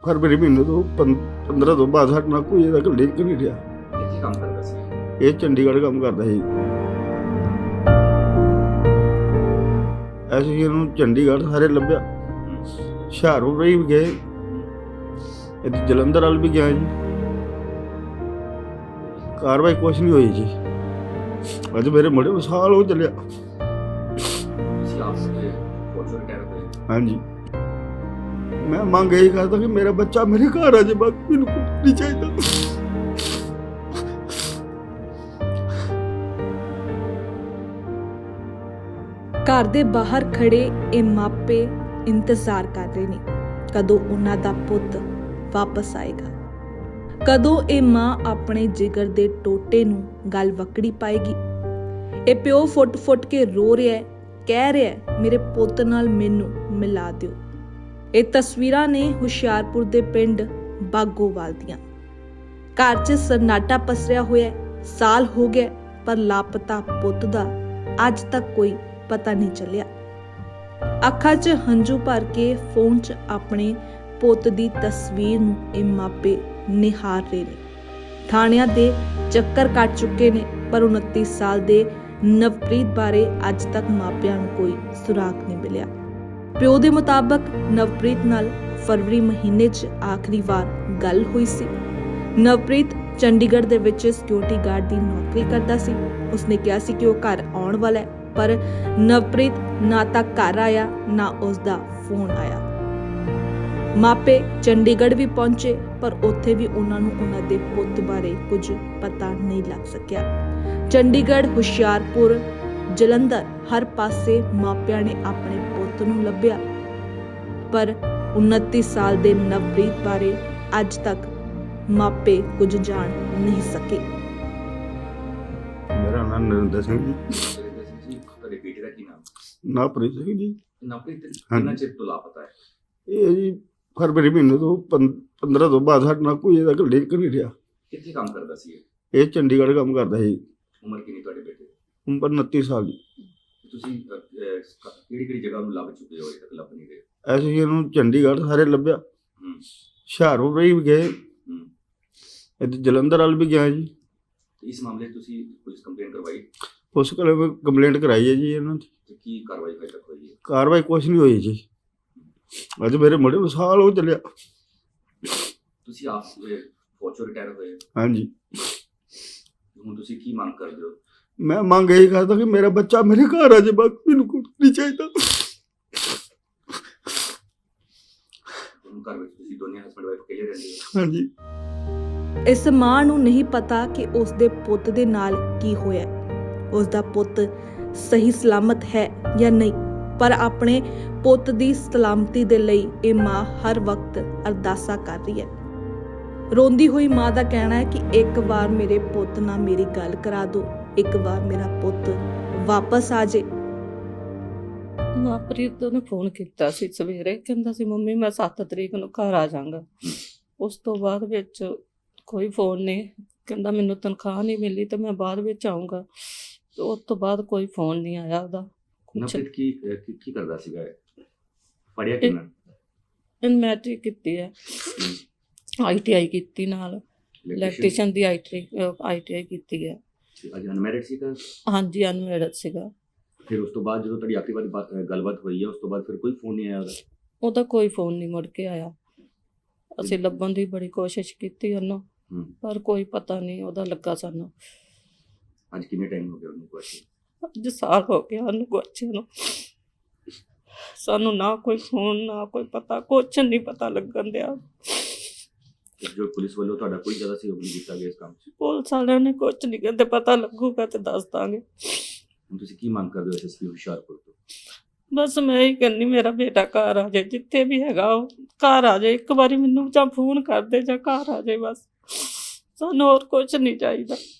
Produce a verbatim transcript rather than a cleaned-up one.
फरवरी महीने तो पंद्रह तो बाद साडे नाल कोई ਇਹਦਾ ਲਿੰਕ ਨਹੀਂ ਰਿਹਾ। ਇਹ ਕੀ ਕੰਮ ਕਰਦਾ ਸੀ? ਇਹ ਚੰਡੀਗੜ੍ਹ ਕੰਮ ਕਰਦਾ ਸੀ। ਅਸੀਂ ਇਹਨੂੰ ਚੰਡੀਗੜ੍ਹ ਸਾਰੇ ਲੱਭਿਆ, ਹੁਸ਼ਿਆਰਪੁਰ ਵੀ ਗਏ, ਇੱਥੇ ਜਲੰਧਰ ਵੱਲ ਵੀ ਗਿਆ ਜੀ। ਕਾਰਵਾਈ ਕੁਛ ਨਹੀਂ ਹੋਈ ਜੀ। ਅੱਜ ਮੇਰੇ ਮੁੰਡੇ ਨੂੰ ਸਾਲ ਹੋ ਚੱਲਿਆ। ਤੁਸੀਂ ਆਪ ਸੇ ਫੌਜੀ ਰਿਟਾਇਰ ਹੋਏ? ਹਾਂਜੀ, ਮੈਂ ਮੰਗ ਇਹੀ ਕਰਦਾ ਕਿ ਮੇਰਾ ਬੱਚਾ ਮੇਰੇ ਘਰ ਆ ਜਾਏ, ਬਾਕੀ ਮੈਨੂੰ ਕੁਛ ਨਹੀਂ ਚਾਹੀਦਾ। ਘਰ ਦੇ ਬਾਹਰ ਖੜੇ ਇਹ ਮਾਪੇ ਇੰਤਜ਼ਾਰ ਕਰ ਰਹੇ ਨੇ ਕਦੋਂ ਉਹਨਾਂ ਦਾ ਪੁੱਤ ਵਾਪਸ ਆਏਗਾ, ਕਦੋਂ ਇਹ ਮਾਂ ਆਪਣੇ ਜਿਗਰ ਦੇ ਟੋਟੇ ਨੂੰ ਗਲ ਵਕੜੀ ਪਾਏਗੀ। ਇਹ ਪਿਓ ਫੁੱਟ-ਫੁੱਟ ਕੇ ਰੋ ਰਿਹਾ ਹੈ, ਕਹਿ ਰਿਹਾ ਹੈ ਮੇਰੇ ਪੁੱਤ ਨਾਲ ਮੈਨੂੰ ਮਿਲਾ ਦਿਓ। ਇਹ ਤਸਵੀਰਾਂ ਨੇ ਹੁਸ਼ਿਆਰਪੁਰ ਦੇ ਪਿੰਡ ਬਾਗੋਵਾਲ ਦੀਆਂ। ਘਰ 'ਚ ਸन्नाटा ਪਸਰਿਆ ਹੋਇਆ, ਸਾਲ ਹੋ ਗਿਆ ਪਰ ਲਾਪਤਾ ਪੁੱਤ ਦਾ ਅੱਜ ਤੱਕ ਕੋਈ ਪਤਾ ਨਹੀਂ ਚੱਲਿਆ। ਅੱਖਾਂ 'ਚ ਹੰਝੂ ਭਰ ਕੇ ਫੋਨ 'ਚ ਆਪਣੇ ਪੁੱਤ ਦੀ ਤਸਵੀਰ ਨੂੰ ਇਹ ਮਾਪੇ ਨਿਹਾਰ ਰਹੇ ਨੇ। ਥਾਣਿਆਂ ਦੇ ਚੱਕਰ ਕੱਟ ਚੁੱਕੇ ਨੇ ਪਰ ਉਨੱਤੀ ਸਾਲ ਦੇ ਨਵਪ੍ਰੀਤ ਬਾਰੇ ਅੱਜ ਤੱਕ ਮਾਪਿਆਂ ਨੂੰ ਕੋਈ ਸੁਰਾਗ ਨਹੀਂ ਮਿਲਿਆ। ਪਿਓ ਦੇ ਮੁਤਾਬਕ ਨਵਪ੍ਰੀਤ ਨਾਲ ਫਰਵਰੀ ਮਹੀਨੇ 'ਚ ਆਖਰੀ ਵਾਰ ਗੱਲ ਹੋਈ ਸੀ। ਨਵਪ੍ਰੀਤ ਚੰਡੀਗੜ੍ਹ ਦੇ ਵਿੱਚ ਸਿਕਿਉਰਿਟੀ ਗਾਰਡ ਦੀ ਨੌਕਰੀ ਕਰਦਾ ਸੀ। ਉਸਨੇ ਕਿਹਾ ਸੀ ਕਿ ਉਹ ਘਰ ਆਉਣ ਵਾਲਾ ਹੈ, ਪਰ ਨਵਪ੍ਰੀਤ ਨਾ ਤਾਂ ਘਰ ਆਇਆ ਨਾ ਉਸਦਾ ਫੋਨ ਆਇਆ। ਮਾਪੇ ਚੰਡੀਗੜ੍ਹ ਵੀ ਪਹੁੰਚੇ ਪਰ ਉੱਥੇ ਵੀ ਉਹਨਾਂ ਨੂੰ ਉਹਨਾਂ ਦੇ ਪੁੱਤ ਬਾਰੇ ਕੁਝ ਪਤਾ ਨਹੀਂ ਲੱਗ ਸਕਿਆ। ਚੰਡੀਗੜ੍ਹ, ਹੁਸ਼ਿਆਰਪੁਰ, ਜਲੰਧਰ ਹਰ ਪਾਸੇ ਮਾਪਿਆਂ ਨੇ ਆਪਣੇ ਪੁੱਤ ਨੂੰ ਲੱਭਿਆ ਪਰ ਉਨੱਤੀ ਸਾਲ ਦੇ ਨਵਪ੍ਰੀਤ ਬਾਰੇ ਅੱਜ ਤੱਕ ਮਾਪੇ ਕੁਝ ਜਾਣ ਨਹੀਂ ਸਕੇ। ਮੇਰਾ ਨਾਮ ਨਰਿੰਦਰ ਸਿੰਘ ਜੀ। ਨਰਿੰਦਰ ਸਿੰਘ ਜੀ, ਤੁਹਾਡੇ ਬੇਟੇ ਦਾ ਕੀ ਨਾਮ? ਨਵਪ੍ਰੀਤ ਸਿੰਘ ਜੀ। ਨਵਪ੍ਰੀਤ ਕਿੰਨਾ ਚਿਰ ਤੋਂ ਲਾਪਤਾ ਹੈ? ਇਹ ਜੀ ਫਰਵਰੀ ਮਹੀਨੇ ਤੋਂ ਪੰਦਰਾਂ ਤੋਂ ਬਾਅਦ ਸਾਡੇ ਨਾਲ ਕੋਈ ਇਹਦਾ ਲਿੰਕ ਨਹੀਂ ਰਿਹਾ। ਕਿੱਥੇ ਕੰਮ ਕਰਦਾ ਸੀ ਇਹ? ਇਹ ਚੰਡੀਗੜ੍ਹ ਕੰਮ ਕਰਦਾ ਸੀ। ਉਮਰ ਕਿੰਨੀ ਤੁਹਾਡੇ ਬੇਟੇ ਦੀ? ਉਮਰ ਉਨੱਤੀ ਸਾਲ ਦੀ। ਤੁਸੀਂ ਕਿਹੜੀ ਕਿਹੜੀ ਜਗ੍ਹਾ ਨੂੰ ਲੱਭ ਚੁੱਕੇ ਹੋ, ਅਜੇ ਤੱਕ ਲੱਭ ਨਹੀਂ ਰਹੇ? ਅਸੀਂ ਇਹਨੂੰ ਚੰਡੀਗੜ੍ਹ ਸਾਰੇ ਲੱਭਿਆ, ਹੂੰ ਹੁਸ਼ਿਆਰਪੁਰ ਵੀ ਗਏ, ਹੂੰ ਇੱਥੇ ਜਲੰਧਰ ਵੱਲ ਵੀ ਗਿਆ ਜੀ। ਤੇ ਇਸ ਮਾਮਲੇ 'ਚ ਤੁਸੀਂ ਪੁਲਿਸ ਕੰਪਲੇਂਟ ਕਰਵਾਈ? ਪੁਲਿਸ ਕੋਲ ਕੰਪਲੇਂਟ ਕਰਾਈ ਹੈ ਜੀ ਇਹਨਾਂ ਦੀ। ਤੇ ਕੀ ਕਾਰਵਾਈ ਹਜੇ ਤੱਕ ਹੋਈ ਹੈ? ਕਾਰਵਾਈ ਕੁਛ ਨਹੀਂ ਹੋਈ ਜੀ। ਅੱਜ ਮੇਰੇ ਮੁੰਡੇ ਨੂੰ ਸਾਲ ਹੋ ਚੱਲਿਆ। ਤੁਸੀਂ ਆਪ ਫੌਜੀ ਰਿਟਾਇਰ ਹੋਏ? ਹਾਂਜੀ, ਹੁਣ ਤੁਸੀਂ ਕੀ ਮੰਗ ਕਰਦੇ ਹੋ? ਮੈਂ ਮੰਗ ਇਹੀ ਕਰਦਾ ਕਿ ਮੇਰਾ ਬੱਚਾ ਮੇਰੇ ਘਰ ਆ ਜਾਏ, ਬਾਕੀ ਮੈਨੂੰ ਕੁਛ ਨਹੀਂ ਚਾਹੀਦਾ। ਹੁਣ ਘਰ ਵਿੱਚ ਤੁਸੀਂ ਦੋਨੇ ਹਸਬੈਂਡ ਵਾਈਫ ਇਕੱਲੇ ਰਹਿੰਦੇ ਹੋ? ਹਾਂਜੀ। ਇਸ ਮਾਂ ਨੂੰ ਨਹੀਂ ਪਤਾ ਕਿ ਉਸ ਦੇ ਪੁੱਤ ਦੇ ਨਾਲ ਕੀ ਹੋਇਆ, ਉਸ ਦਾ ਪੁੱਤ ਸਹੀ ਸਲਾਮਤ ਹੈ ਜਾਂ ਨਹੀਂ, ਪਰ ਆਪਣੇ ਪੁੱਤ ਦੀ ਸਲਾਮਤੀ ਦੇ ਲਈ ਇਹ ਮਾਂ ਹਰ ਵਕਤ ਅਰਦਾਸਾਂ ਕਰ ਰਹੀ ਹੈ। ਰੋਂਦੀ ਹੋਈ ਮਾਂ ਦਾ ਕਹਿਣਾ ਹੈ ਕਿ ਇੱਕ ਵਾਰ ਮੇਰੇ ਪੁੱਤ ਨਾਲ ਮੇਰੀ ਗੱਲ ਕਰਾ ਦਿਓ, ਇੱਕ ਵਾਰ ਮੇਰਾ ਪੁੱਤ ਵਾਪਸ ਆ ਜਾਏ। ਨਵਪ੍ਰੀਤ ਨੇ ਫੋਨ ਕੀਤਾ ਸੀ ਸਵੇਰੇ, ਕਹਿੰਦਾ ਸੀ ਮੰਮੀ ਮੈਂ ਸੱਤ ਤਰੀਕ ਨੂੰ ਘਰ ਆ ਜਾਵਾਂਗਾ। ਉਸ ਤੋਂ ਬਾਅਦ ਵਿੱਚ ਕੋਈ ਫੋਨ ਨਹੀਂ, ਕਹਿੰਦਾ ਮੈਨੂੰ ਤਨਖਾਹ ਨਹੀਂ ਮਿਲੀ ਤੇ ਮੈਂ ਬਾਅਦ ਵਿੱਚ ਆਊਂਗਾ। ਉਸ ਤੋਂ ਬਾਅਦ ਕੋਈ ਫੋਨ ਨਹੀਂ ਆਇਆ ਉਹਦਾ। ਨਵਪ੍ਰੀਤ ਕੀ ਕੀ ਕੀ ਕਰਦਾ ਸੀਗਾ? ਪੜ੍ਹਿਆ ਕਿੰਨਾ? ਇਨ ਮੈਟ੍ਰਿਕ ਕੀਤੀ ਹੈ, ਆਈ ਟੀ ਆਈ ਕੀਤੀ, ਨਾਲ ਇਲੈਕਟ੍ਰੀਸ਼ੀਅਨ ਦੀ I T I T I ਕੀਤੀ ਹੈ। ਅੱਜ ਅਨਮੈਰਿਡ ਸੀਗਾ? ਹਾਂਜੀ, ਅਨਮੈਰਿਡ ਸੀਗਾ। ਫਿਰ ਉਸ ਤੋਂ ਬਾਅਦ ਜਦੋਂ ਤੁਹਾਡੀ ਆਖਰੀ ਵਾਰ ਬਾਤ ਗੱਲਬਾਤ ਹੋਈ ਹੈ, ਉਸ ਤੋਂ ਬਾਅਦ ਫਿਰ ਕੋਈ ਫੋਨ ਨਹੀਂ ਆਇਆ ਉਹਦਾ? ਉਹਦਾ ਕੋਈ ਫੋਨ ਨਹੀਂ ਮੁੜ ਕੇ ਆਇਆ। ਅਸੀਂ ਲੱਭਣ ਦੀ ਬੜੀ ਕੋਸ਼ਿਸ਼ ਕੀਤੀ ਉਹਨੂੰ, ਪਰ ਕੋਈ ਪਤਾ ਨਹੀਂ ਉਹਦਾ ਲੱਗਾ ਸਾਨੂੰ। ਅੱਜ ਕਿੰਨੇ ਟਾਈਮ ਹੋ ਗਿਆ ਉਹਨੂੰ ਗੁਆਚੇ? ਅੱਜ ਸਾਲ ਹੋ ਗਿਆ ਉਹਨੂੰ ਗੁਆਚੇ ਨੂੰ। ਸਾਨੂੰ ਨਾ ਕੋਈ ਫੋਨ, ਨਾ ਕੋਈ ਪਤਾ, ਕੁਛ ਨਹੀਂ ਪਤਾ ਲੱਗਣ ਦਿਆ। ਜੋ ਪੁਲਿਸ ਵੱਲੋਂ ਤੁਹਾਡਾ ਕੋਈ ਜ਼ਿਆਦਾ ਸਹਿਯੋਗ ਨਹੀਂ ਕੀਤਾ ਗਿਆ ਇਸ ਕੰਮ 'ਚ? ਪੁਲਿਸ ਵਾਲਿਆਂ ਨੇ ਕੁਛ ਨਹੀਂ ਕਹਿੰਦੇ, ਪਤਾ ਲੱਗੂਗਾ ਤੇ ਦੱਸ ਦਾਂਗੇ। ਹੁਣ ਤੁਸੀਂ ਕੀ ਮੰਗ ਕਰਦੇ ਹੋ ਐਸਐਸਪੀ ਹੁਸ਼ਿਆਰਪੁਰ ਤੋਂ? ਬਸ ਮੈਂ ਹੀ ਕਹਿੰਦੀ ਮੇਰਾ ਬੇਟਾ ਘਰ ਆ ਜਾਏ, ਜਿੱਥੇ ਵੀ ਹੈਗਾ ਉਹ ਘਰ ਆ ਜਾਏ। ਇੱਕ ਵਾਰੀ ਮੈਨੂੰ ਜਾਂ ਫੋਨ ਕਰ ਦੇ ਜਾਂ ਘਰ ਆ ਜਾਏ, ਬਸ ਸਾਨੂੰ ਹੋਰ ਕੁਛ ਨਹੀਂ ਚਾਹੀਦਾ।